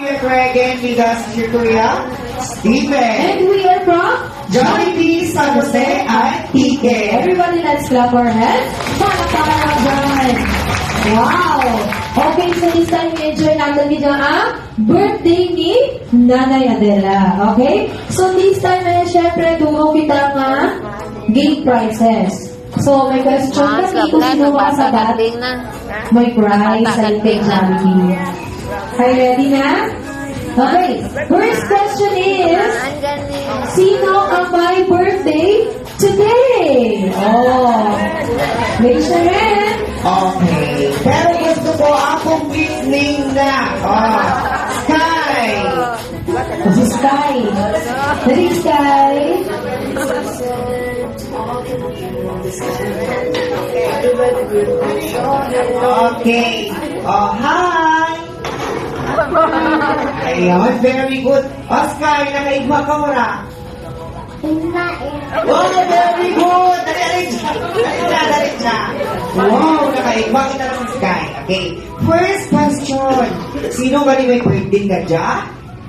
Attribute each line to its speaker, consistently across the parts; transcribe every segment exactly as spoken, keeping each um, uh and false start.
Speaker 1: we are try again with us, Sir Kuya Steven.
Speaker 2: And we are from
Speaker 1: Jollibee, San Jose, at T K.
Speaker 2: Everybody, let's clap our hands. Para para dyan. Wow! Okay, so this time enjoy natin video ang birthday ni Nanay Adela. Okay? So this time eh, syempre, dumo kita nga game prizes. So, may question
Speaker 3: Ah,
Speaker 2: kasi
Speaker 3: sarap
Speaker 2: kung
Speaker 3: na.
Speaker 2: sino
Speaker 3: Nagbasa
Speaker 2: makasagot,
Speaker 3: galing na.
Speaker 2: may prize sa
Speaker 3: Nagbasa
Speaker 2: kay Jollibee. Are you ready na? Okay. First question is,
Speaker 3: Ang galing.
Speaker 2: sino ang may birthday today? Oh, raise your hand.
Speaker 1: Okay. Pero gusto ko akong listening na. Oh. Sky.
Speaker 2: Si Sky. Dali, Sky.
Speaker 1: Okay. Oh, hi. Ayun, very good. Oh, Sky, nakaigwa ka wala. Oh, very good. Dali, dali siya. Dali na, dali siya. Wow, nakaigwa kita ng Sky. Okay. First question. Sino ba ni may birthday ka dyan?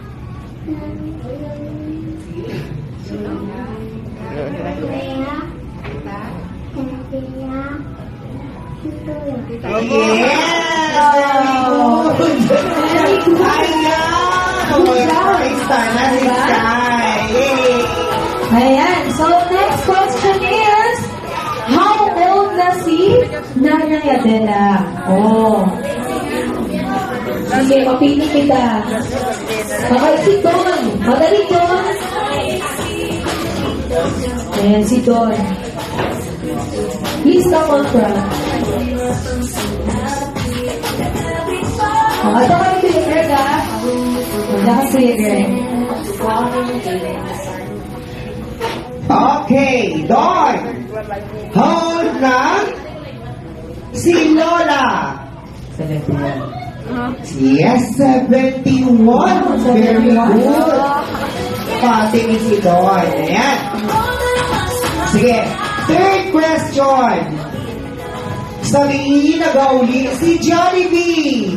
Speaker 1: Yes! Very good. Ayan! Oh, praise na si Sky. Yay!
Speaker 2: Ayan. So, next question is, how old na si Nanay Adela? Oh. Sige, mapili kita. Okay, si Don. Madali, Don. Ayan, si Don. Please come on front. Oh, ito kayo si Greg, ha? Wala ka si Greg.
Speaker 1: Okay, Don. How old na si Lola?
Speaker 2: seventy-one.
Speaker 1: Yes, seventy-one. Very good. Pati ni si Don. Ayan. Sige, third question. Sabihin na gauli si Jollibee.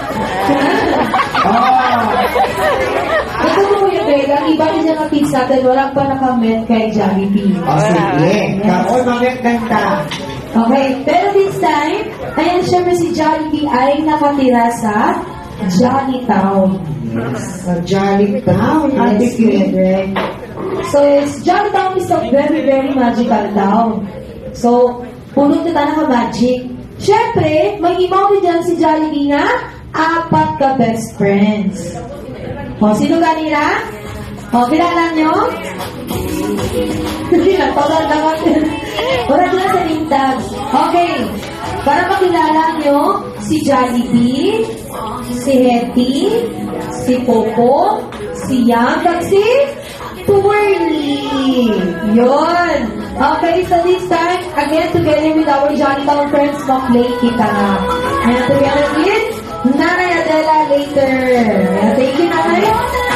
Speaker 1: Oh.
Speaker 2: Ito mo yung Greg, ang iba niya ng kids natin, walang pa nakamit kay Jollibee.
Speaker 1: O sige, kaon mamit ganda.
Speaker 2: Okay, pero this time, ayan, syempre si Jollibee ay nakatira sa Jollytown.
Speaker 1: Yes, sa Jollytown. Ate
Speaker 2: Yes,
Speaker 1: Greg.
Speaker 2: Greg. So, yes, Jollytown is a very, very magical town. So, puno na tayo ng magic. Syempre, may imaw din dyan si Jollibee na apat ka best friends. O, sino kanila? O, kilala nyo? Hindi lang, tawag lang ako. Wala dyan sa name tag. Okay, para makilala nyo si Jollibee, si Hetty, si Popo, si Yang, at si Twirly. Yun. Okay, so this time, again, together with our Jollitown friends, mag-play kita na. And together with Nanay Adela later. And thank you, Nanay.